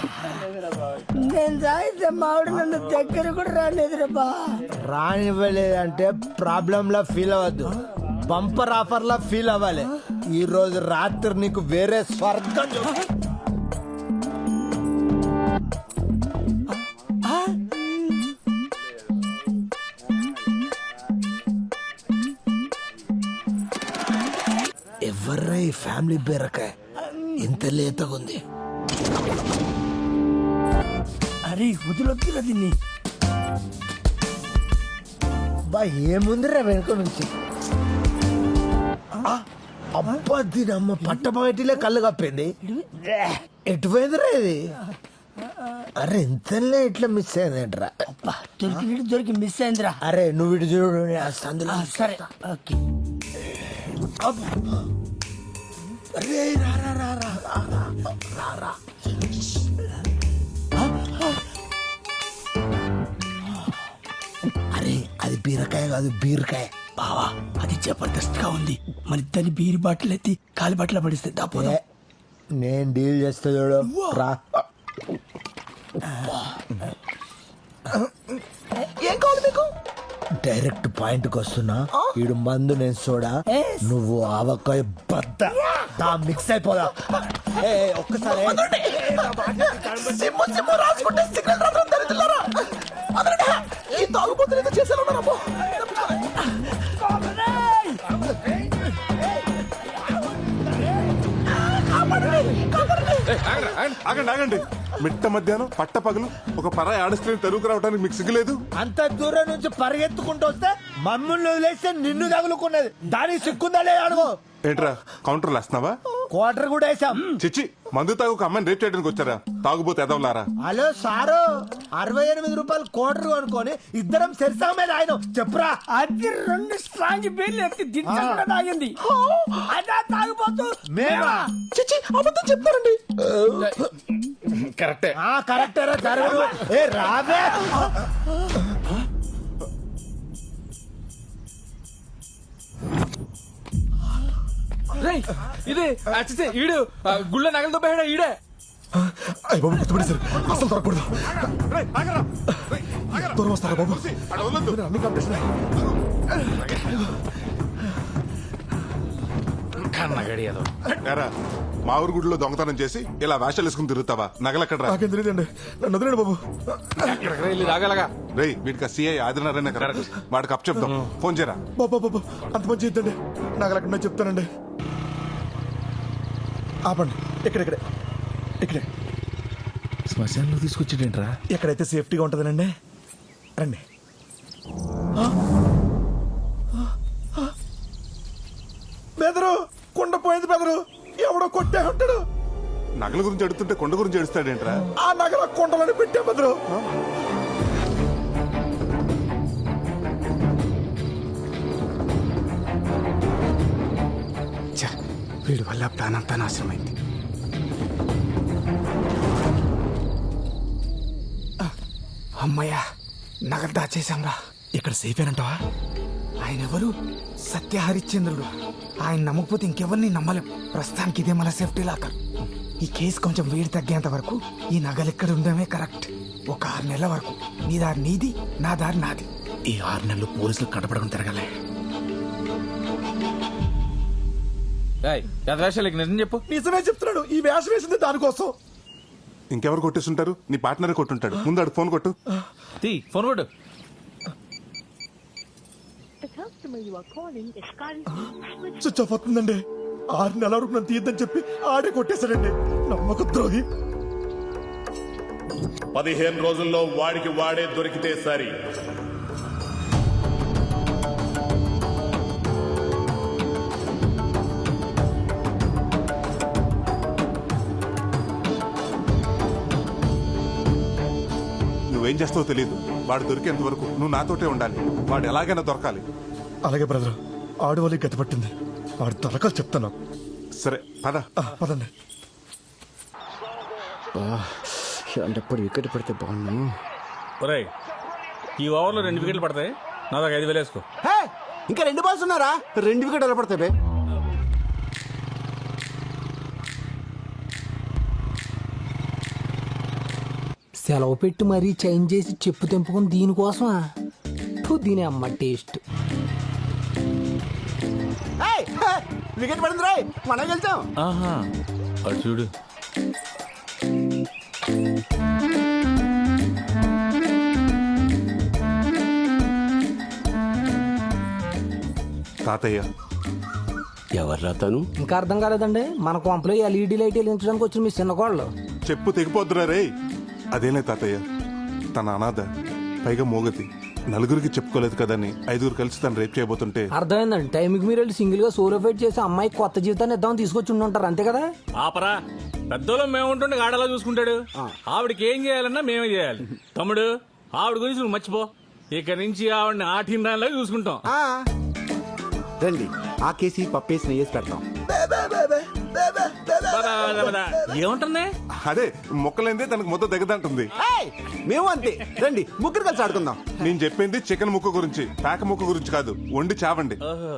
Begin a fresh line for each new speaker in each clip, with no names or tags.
నేను తాగితే మావిడ నన్ను దగ్గర కూడా రాలేదురా బా.
రానివ్వలేదంటే ప్రాబ్లం లా ఫీల్ అవ్వద్దు, బంపర్ ఆఫర్ లా ఫీల్ అవ్వాలి. ఈ రోజు రాత్రి నీకు వేరే స్వర్గం ఎవర్రా ఈ ఫ్యామిలీ బీరకాయ ఇంత లేతగుంది?
అరే వదిలొద్దురా దీన్ని.
బా ఏముందిరా వెనుక నుంచి? అబ్బా దీని అమ్మ పట్టపగటిలే కళ్ళు కప్పింది. ఎటుపోయిందిరా ఇది? అరే ఇంతలే ఇట్లా మిస్ అయిందేంట్రా?
అబ్బా దొరికినట్టు దొరికి మిస్ అయిందిరా.
అరే నువ్వు ఇటు చూడు, అందులో
సరే ఓకే.
అరే రా రా రా రా రా రా రా. అరే అది బీరకాయ కాదు, బీరకాయ.
బావా అది జబర్దస్త్ గా ఉంది. మన ఇద్దరిని బీరి బాటిల్ ఎత్తి కాలి బాటిల్ పడిస్తే దాపోదా.
నేను డీల్ చేస్తా చూడు, రా. ఏం కావాలి మీకు? డైరెక్ట్ పాయింట్ కి వస్తున్నా. ఈడు మందు, నేను సోడా, నువ్వు ఆవకాయ బద్ద. మిక్స్ అయిపోదా ఒక్కసారి.
ఆగండి ఆగండి, మిట్ట మధ్యాహ్నం పట్ట పగలు ఒక పరాయి ఆడస్ట్రీని తరువుకు రావడానికి మీకు సిగ్గులేదు?
అంత దూరం నుంచి పరిగెత్తుకుంటూ వస్తే మమ్మల్ని వదిలేస్తే నిన్ను తగులుకున్నది. దానికి సిక్కుందా లేదా అడుగు.
ఏంట్రా కౌంటర్లు వేస్తున్నావా?
క్వార్టర్ కూడా వేసాం.
చిచ్చి, మందు తాగు ఒక అమ్మాయిని రేప్ చేయడానికి వచ్చారా? తాగుబోతే ఎదవలారా?
హలో సారు, 68 రూపాయలు క్వార్టర్ కొనుక్కొని ఇద్దరం సెరిసా మీద ఆయన చెప్పురా.
అది 2 స్ట్రాంగ్ బీర్లు ఎత్తి దించకుండా తాగింది. అదా తాగిపోతూ
మేమా?
చిచ్చి అబద్ధం చెప్తారండి.
కరెక్టే.
కరెక్టరా జరగదు. ఏ రావే.
ఇదే ఈడు గుళ్ళ నగలతో పోయాడా ఈడే?
అయ్య బాబు గుర్తుపడి సార్, అసలు దొరకకూడదు. దూరం వస్తారా బాబు? అన్ని కాంపిటీషన్.
ఎరా, మా ఊరు గుడిలో దొంగతనం చేసి ఇలా వేషాలు వేసుకుని తిరుగుతావా? నగలెక్కడ్రా?
నాకేం తెలియదండి, నన్ను వదిలేండి బాబు.
రాగలగా
రేయ్, వీటికి సిఐ ఆదినారాయణ కదా, వాడికి అప్ చెప్తాం. ఫోన్ చేయరా.
బాబా బాబు అంత మంచి ఇద్దండి, నాకు అక్కడ చెప్తానండి. ఆపండి, ఇక్కడే ఇక్కడే
శ్మశానంలో తీసుకొచ్చేటేంట్రా?
ఎక్కడైతే సేఫ్టీగా ఉంటుందనండి. రండి. బెదరు కుండ పోయింది బెదరు, ఎవడో కొట్టే ఉంటాడు.
నగల గురించి అడుగుతుంటే కొండ గురించి అడుస్తాడేంట్రా?
ఆ నగల కుండలని పెట్టే బెదరు.
వీడి వల్ల ప్లాన్ అంతా నాశనమైంది. అమ్మయ్యా, నగలు దాచేశాంరా.
ఇక్కడ సేఫ్ ఏనంటావా?
ఆయన ఎవరు? సత్య హరిశ్చంద్రుడు. ఆయన నమ్మకపోతే ఇంకెవరిని నమ్మలేం. ప్రస్తుతానికి ఇదే మన సేఫ్టీ లాకర్. ఈ కేసు కొంచెం వేడి తగ్గేంత వరకు ఈ నగలు ఇక్కడ ఉండడమే కరెక్ట్. ఒక 6 నెలల వరకు నీ దారి నీది, నా దారి నాది.
ఈ 6 నెలలు పోలీసులు కనపడకుండా తిరగలే.
నిజం చెప్పు.
నిజమే చెప్తున్నాడు, ఈ వేషం వేసింది దానికోసం.
ఇంకెవరు కొట్టేస్తుంటారు? నీ పార్ట్నరే కొట్టుంటాడు. ముందు అడు ఫోన్ కొట్టు.
ఫోన్ కొట్టు.
స్విచ్ ఆఫ్ అవుతుందండి. 6 నెలల వరకు నన్ను తీయద్దని చెప్పి ఆడే కొట్టేశాడండి, నమ్మక ద్రోహి.
15 రోజుల్లో వాడికి వాడే దొరికితే సరి.
నువ్వేం చేస్తావో తెలియదు. వాడు దొరికేంత వరకు నువ్వు నాతోటే ఉండాలి. వాడు ఎలాగైనా దొరకాలి.
అలాగే బ్రదర్, ఆడవాళ్ళకి గతి పట్టింది. వాడు దొరకాలి చెప్తాను.
సరే పద.
పదండి.
అలాంటప్పుడు వికెట్ పడితే బాగున్నాను.
ఈ ఓవర్లో 2 వికెట్లు పడతాయి. నా దాకా 5,000 వేసుకో.
ఇంకా 2 బాల్స్ ఉన్నారా? 2 వికెట్లు పడతాయి.
సెలవు పెట్టి మరీ చేంజ్ చేసి చెప్పు తెంపుకుని దీనికోసమా ఫు, దీని అమ్మ టేస్ట్.
వికెట్ పడింది రాయ్, మనం గెలిచాం.
ఆహా అటు చూడు.
తాతయ్య
ఎవర్రా తను?
ఇంకా అర్థం కాలేదండి, మన కొంపలో ఎల్ఈడి లైట్ వెలిగించడానికి వచ్చిన మీ చిన్న కోళ్ళు.
చెప్పు తెగిపోద్దురా రే. అదేలే తాతయ్య, తన అనాథ, పైగా మోగతి, నలుగురికి చెప్పుకోలేదు కదని 5 కలిసి తను రేప్ చేయబోతుంటే.
అర్థమైందండి, టైంకి మీరు వెళ్ళి సింగిల్ గా సోలో ఫైట్ చేసి అమ్మాయికి కొత్త జీవితాన్ని ఇద్దామని తీసుకొచ్చి ఉండుంటారు, అంతే కదా?
ఆపరా, పెద్దోళ్ళం మేము ఉంటుండే ఆడలా చూసుకుంటాడు. ఆవిడకి ఏం చేయాలన్నా మేమే చేయాలి. తమ్ముడు, ఆవిడ గురించి నువ్వు మర్చిపో. ఇక నుంచి ఆవిడని ఆటిండాలా చూసుకుంటాం.
రండి, ఆ కేసి పప్పేసి నెయ్యేసి పెడతాం.
ఏముంటుంది?
అదే మొక్కలైందే తనకు మొత్తం దగ్గదంటుంది.
మేము అంతే, రండి ముగ్గురు కలిసి ఆడుకుందాం.
నేను చెప్పింది చికెన్ ముక్క గురించి, పేక ముక్క గురించి కాదు. వండి చావండి.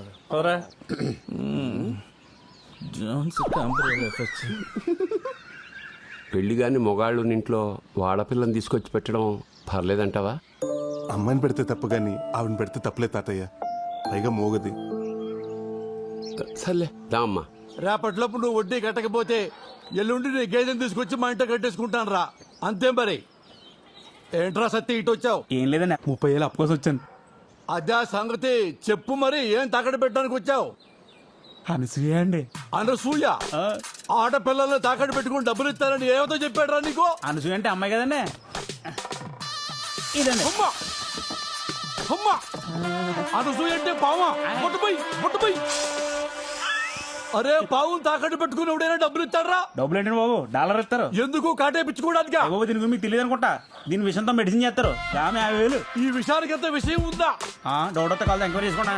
పెళ్లి గాని మొగాళ్ళు ఇంట్లో వాడపిల్లని తీసుకొచ్చి పెట్టడం పర్లేదంటావా?
అమ్మాయిని పెడితే తప్పు గాని ఆవిడని పెడితే తప్పులే తాతయ్య, పైగా మోగది.
సర్లే దా అమ్మా.
రేపటిలోపు నువ్వు వడ్డీ కట్టకపోతే ఎల్లుండి నీ గేదెని తీసుకొచ్చి మా ఇంట కట్టేసుకుంటాను రా, అంతే మరి. ఏంట్రా సత్తి ఇటు వచ్చావు?
ఏం లేదన్నా, 30,000 అప్పు కోసం వచ్చాను.
అదే సంగతి చెప్పు, మరి ఏం తాకట్టు పెట్టడానికి వచ్చావు?
అనసూయ అండి.
అనసూయ? ఆడపిల్లల్ని తాకట్టు పెట్టుకుని డబ్బులు ఇస్తారని ఏమతో చెప్పాడు రా నీకు?
అనసూయ అంటే అమ్మాయి కదండి. ఇదండి.
అమ్మా అమ్మా, అనసూయ అంటే పావా? ముట్టుపోయి. అరే, పావు తాకట్టు పెట్టుకుని ఎవడైనా డబ్బులు ఇస్తారా?
డబ్బులు ఏంటండి బాబు, డాలర్ ఇస్తారు.
ఎందుకు కాటేపించుకోవడానికి?
బాబు దీని గురించి మీకు తెలియదు అనుకుంటా. దీని విషయంతో మెడిసిన్ చేస్తారు. ఆమె 50,000.
ఈ విషయానికి ఎంత విషయం ఉందా?
డౌట్ వస్తే కాదు, ఎంక్వైరీ చేసుకుంటా.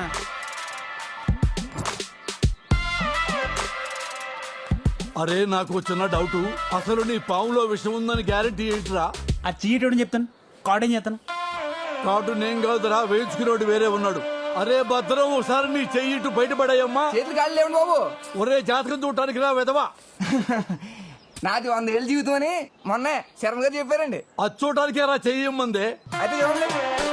అరే, నాకు చిన్న డౌట్, అసలు నీ పావులో విషయం ఉందని గ్యారెంటీ ఏంటిరా?
ఆ చీట్ చెప్తాను, కార్డ్ ఏం చేస్తాను.
కాటు నేను కాదురా, వేయించుకునేవాడు వేరే ఉన్నాడు. అరే భద్రం, ఒకసారి నీ చెయ్యి ఇటు బయటపడాయమ్మా.
చేతులు కాళ్ళు లేవండి బాబు.
ఒరే, జాతకం చూడటానికి రా వెదవా.
నాది 100 ఏళ్ళ జీవితం అని మొన్న శర్మ గారు చెప్పారండి.
అది చూడటానికే రా చెయ్యమ్మందే.
అయితే చూడండి,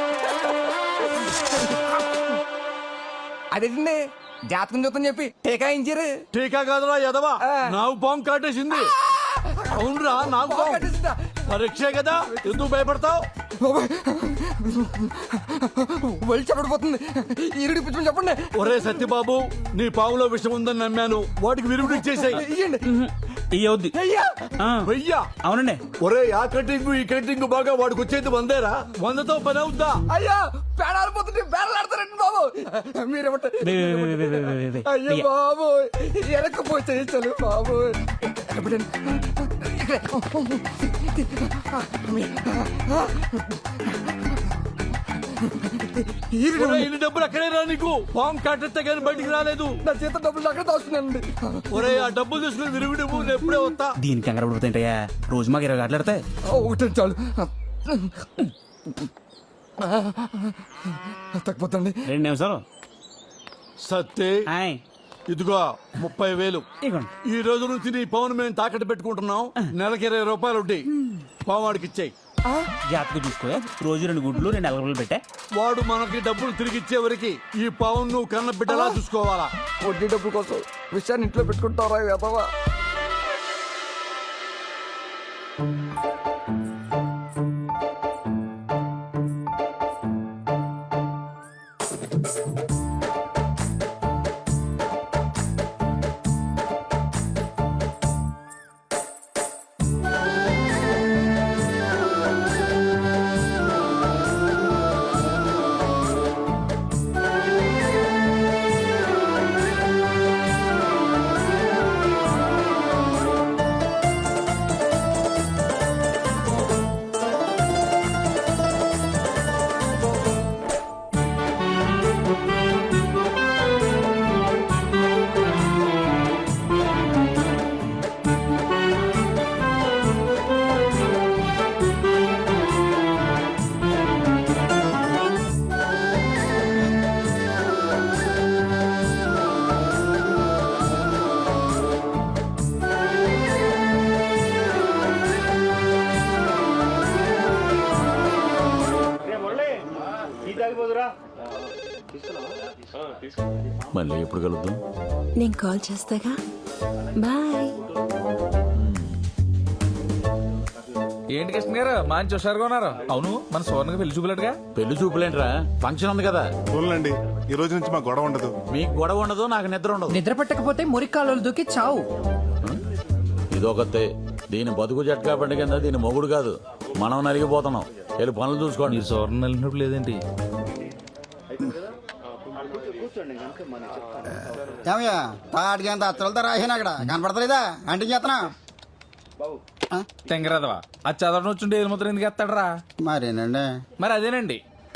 అదేంటండి జాతకం చూద్దాం చెప్పి టీకాయించారు.
టీకా కాదురా ఎదవా, నాకు పాము కాటేసింది. అవునరా, నాకు పాము పరీక్షే కదా, ఎందుకు భయపడతావు?
వెళ్ళి చెప్పడిపోతుంది, ఈరుడి పిచ్చి చెప్పండి.
ఒరే సత్యబాబు, నీ పాములో విషం ఉందని నమ్మాను, వాటికి విరుగుడు ఇచ్చేసాయి.
ఇయ్యవుద్ది.
వెయ్యా?
అవునండి.
ఒరే, ఆ కటింగ్ ఈ కటింగ్ బాగా వాడికి వచ్చేది 100రా. 100తో పని అవుద్దా?
అయ్యా, పేడాలిపోతుంటే పేడలాడతారండి బాబు. మీరేమంటారు? అయ్యో బాబు, వెనకపోతే చలు బాబు.
ఇన్ని డబ్బులు అక్కడే రా, నీకు పాము కాటెత్తే కానీ బయటికి రాలేదు.
నా చేత డబ్బులు అక్కడ దాస్తున్నానండి.
ఒరే, ఆ డబ్బులు తీసుకుని విరుగుడు నేను ఎప్పుడే వస్తా.
దీనికి కంగారు పడిపోతాయంటయ్యా, రోజు మాకు 20 గంటలు ఆడతాయి.
ఒకటి చాలు, తగ్గిపోతండి.
2 నిమిషాలు.
సత్తే,
హాయ్.
ఇదిగో 30,000.
ఇదిగోండి.
ఈ రోజు నుంచి నీ పవన్ మేము తాకట్టు పెట్టుకుంటున్నాం. నెలకి 20 రూపాయలు ఉంటాయి. పావాడికి ఇచ్చాయి.
జాతకు చూసుకో, రోజు 2 గుడ్లు 2 ఎలగలు పెట్టా.
వాడు మనకి డబ్బులు తిరిగి ఇచ్చే వరకు ఈ పవన్ నువ్వు కన్న బిడ్డలా చూసుకోవాలా.
వడ్డీ డబ్బుల కోసం విషయాన్ని ఇంట్లో పెట్టుకుంటారా వెదవా?
మళ్ళీ ఎప్పుడు కలుద్దాం?
నేను కాల్ చేస్తాగా. బాయ్.
ఏంటి కృష్ణ గారు మంచి హుషారుగా ఉన్నారు? అవును, మన సోర్ణకి పెళ్లి చూపులేటుగా. పెళ్లి చూపులేంట్రా, ఫంక్షన్ ఉంది కదా.
చూడండి, ఈ రోజు నుంచి మా గొడవ ఉండదు.
మీకు గొడవ ఉండదు, నాకు నిద్ర ఉండదు.
నిద్ర పట్టకపోతే మురికాలు దూకి చావు.
ఇదొకతే. దీని బతుకు జట్కా పండుగ కింద దీని మొగుడు కాదు, మనం నలిగిపోతున్నాం. వెళ్ళి పనులు చూసుకోండి. సోర్ణ నలిగినప్పుడు లేదేంటి?
ఏమయ్యా తాటికి అంత అత్తలతో రాసాను అక్కడ కనపడతలేదా? అంటే చేతనా
తెంగరాదవా, అది చదవడం వచ్చుంటే ఏది ముద్ర ఎందుకు ఎత్తాడరా?
మరేనండి.
మరి అదేనండి.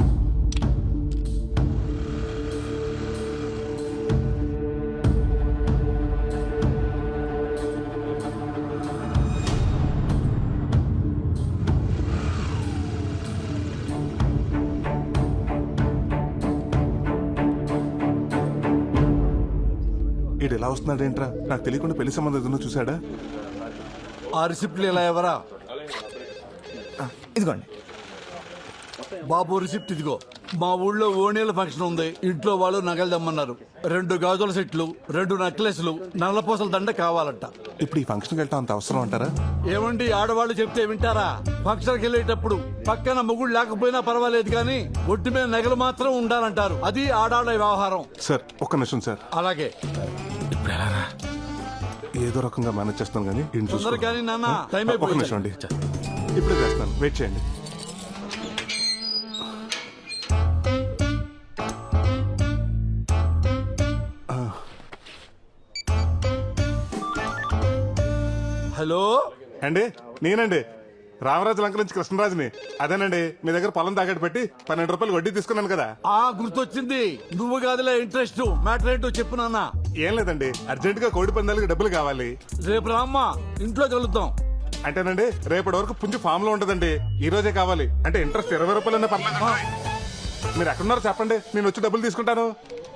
ఈడు ఎలా వస్తున్నాడు ఏంట్రా? నాకు తెలియకుండా పెళ్లి సంబంధం ఏదైనా చూసాడా?
ఆ రిసిప్ట్లు ఇలా ఎవరా?
ఇదిగోండి
బాబు రిసిప్ట్ ఇదిగో. మా ఊళ్ళో ఓణీల ఫంక్షన్ ఉంది. ఇంట్లో వాళ్ళు నగలు దమ్మన్నారు. 2 గాజుల సెట్లు, 2 నెక్లెస్లు, నల్లపూసల దండ కావాలంట.
ఇప్పుడు ఈ ఫంక్షన్కి వెళ్తా అంత అవసరం అంటారా?
ఏమండి, ఆడవాళ్ళు చెప్తే వింటారా? ఫంక్షన్కి వెళ్ళేటప్పుడు పక్కన మొగుడు లేకపోయినా పర్వాలేదు కానీ ఒట్టి మీద నగలు మాత్రం ఉండాలంటారు. అది ఆడాళ్ళ వ్యవహారం.
సార్ ఒక్క నిమిషం సార్.
అలాగే.
ఏదో రకంగా మేనేజ్ చేస్తాను కానీ ఈయన చూసుకో.
తొందర కానీ నాన్న, టైం
ఒక్క
అయిపోయింది.
నిమిషం అండి, ఇప్పుడే చేస్తాను, వెయిట్ చేయండి.
హలో
అండి, నేనండి రామరాజు లంక నుంచి కృష్ణరాజుని. అదేనండి, మీ దగ్గర పొలం తాకట్టు పెట్టి 12 రూపాయలు వడ్డీ తీసుకున్నాను కదా.
గుర్తొచ్చింది. నువ్వు కాదులే ఇంట్రెస్ట్. మ్యాటర్ ఏంటో చెప్పు నాన్న.
ఏం లేదండి, అర్జెంట్ గా కోడి పందాలకి డబ్బులు కావాలి.
రేపు రామ్మా, ఇంట్లో కలుద్దాం.
అంటేనండి, రేపటి వరకు పుంజు ఫామ్ లో ఉంటదండి. ఈ రోజే కావాలి. అంటే ఇంట్రెస్ట్ 20 రూపాయలన్నా పర్లేదు. మీరు ఎక్కడున్నారో చెప్పండి, నేను వచ్చి డబ్బులు తీసుకుంటాను.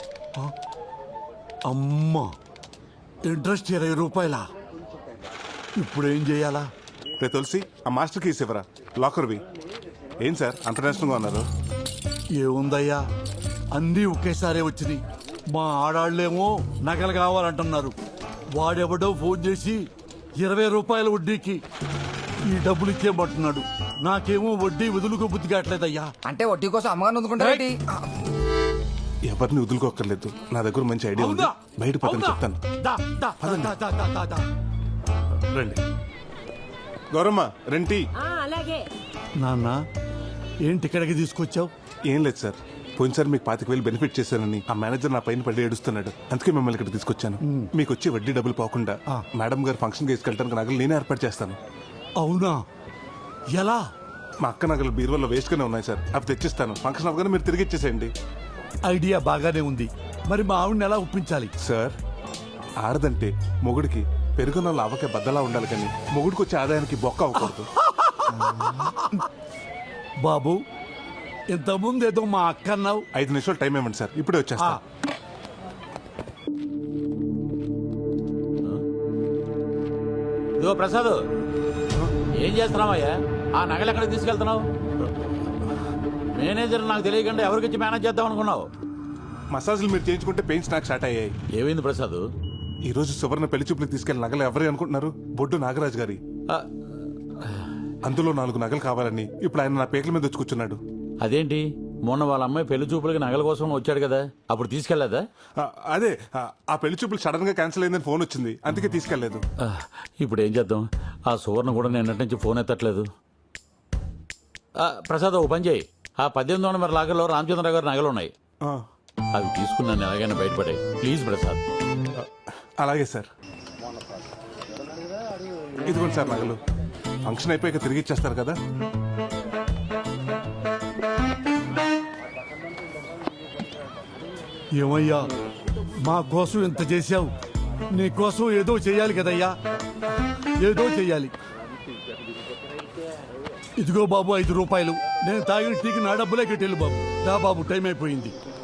అమ్మా, ఇంట్రెస్ట్ 20 రూపాయలా? ఇప్పుడు ఏం చేయాలా?
రే తులసి, ఆ మాస్టర్ కీస్ ఇవ్వరా, లాకర్వి. ఏం సార్ అంత నేషనల్గా ఉన్నారు?
ఏముందయ్యా, అన్నీ ఒకేసారి వచ్చినాయి. మా ఆడాళ్ళేమో నగలు కావాలంటున్నారు. వాడెవడో ఫోన్ చేసి 20 రూపాయల వడ్డీకి ఈ డబ్బులు ఇచ్చేయమంటున్నాడు. నాకేమో వడ్డీ వదులుకో బుద్ధి కావట్లేదయ్యా.
అంటే వడ్డీ కోసం అమ్మగారు అందుకుంటారేంటి?
ఎవరిని వదులుకోక్కర్లేదు, నా దగ్గర మంచి ఐడియా ఉంది. బయట పక్కన చెప్తాను. రండి గౌరమ్మ, రెంటి.
అలాగే.
నాన్న, ఏంటి ఇక్కడికి తీసుకొచ్చావు?
ఏం లేదు సార్, పోయినసారి మీకు 25,000 బెనిఫిట్ చేశానని ఆ మేనేజర్ నా పైన పడి ఏడుస్తున్నాడు. అందుకే మిమ్మల్ని ఇక్కడ తీసుకొచ్చాను. మీకు వచ్చి వడ్డీ డబ్బులు పోకుండా మేడం గారు ఫంక్షన్ తీసుకెళ్ళడానికి నగలు నేనే ఏర్పాటు చేస్తాను.
అవునా? ఎలా?
మా అక్క నగలు బీరువాలో వేస్ట్ గానే ఉన్నాయి సార్, అవి తెచ్చిస్తాను. ఫంక్షన్ అవగానే మీరు తిరిగి ఇచ్చేసేయండి.
ఐడియా బాగానే ఉంది. మరి మా ఆవిడని ఎలా ఒప్పించాలి?
సార్, ఆడదంటే మొగుడికి పెరుగున లావకే బద్దలా ఉండాలి కానీ మొగుడికి వచ్చే ఆదాయానికి బొక్క అవ్వకూడదు.
బాబు, ఇంతకుముందు ఏదో మా అక్క అన్నావు.
5 నిమిషాలు టైం ఇవ్వండి సార్, ఇప్పుడే వచ్చేస్తా.
ఇదిగో ప్రసాద్, ఏం చేస్తున్నావయ్యా? ఆ నగలు ఎక్కడికి తీసుకెళ్తున్నావు? మేనేజర్ నాకు తెలియకుండా ఎవరికిచ్చి మేనేజ్ చేద్దాం అనుకున్నావు?
మసాజులు మీరు చేయించుకుంటే పెయిన్స్ నాకు స్టార్ట్ అయ్యాయి.
ఏమైంది ప్రసాద్?
ఈ రోజు సువర్ణ పెళ్లి చూపులకు తీసుకెళ్లిన నగలు ఎవరు అనుకుంటున్నారు? బొడ్డు నాగరాజు గారి. అందులో 4 నగలు కావాలని ఇప్పుడు ఆయన నా పేకల మీద వచ్చి కూర్చున్నాడు.
అదేంటి, మొన్న వాళ్ళ అమ్మాయి పెళ్లి చూపులకి నగల కోసం వచ్చాడు కదా, అప్పుడు తీసుకెళ్లేదా?
అదే, ఆ పెళ్లి చూపులు సడన్ గా క్యాన్సిల్ అయిందని ఫోన్ వచ్చింది, అందుకే తీసుకెళ్లేదు.
ఇప్పుడు ఏం చేద్దాం? ఆ సువర్ణ కూడా నిన్నటి నుంచి ఫోన్ ఎత్తట్లేదు. ప్రసాద్, ఓ పని చేయి. ఆ 1800 నెంబర్ లాగర్లో రామచంద్రరావు గారి నగలు ఉన్నాయి, అవి తీసుకున్నాను ఎలాగైనా బయటపడాయి. ప్లీజ్ ప్రసాద్.
అలాగే సార్. ఇదిగోండి సార్ నగలు. ఫంక్షన్ అయిపోయాక తిరిగి ఇచ్చేస్తారు కదా.
ఏమయ్యా, మా కోసం ఇంత చేశావు, నీ కోసం ఏదో చెయ్యాలి కదయ్యా, ఏదో చెయ్యాలి. ఇదిగో బాబు 5 రూపాయలు. నేను తాగిన టీకి నా డబ్బులే కట్టేళ్ళు బాబు. దా బాబు, టైం అయిపోయింది.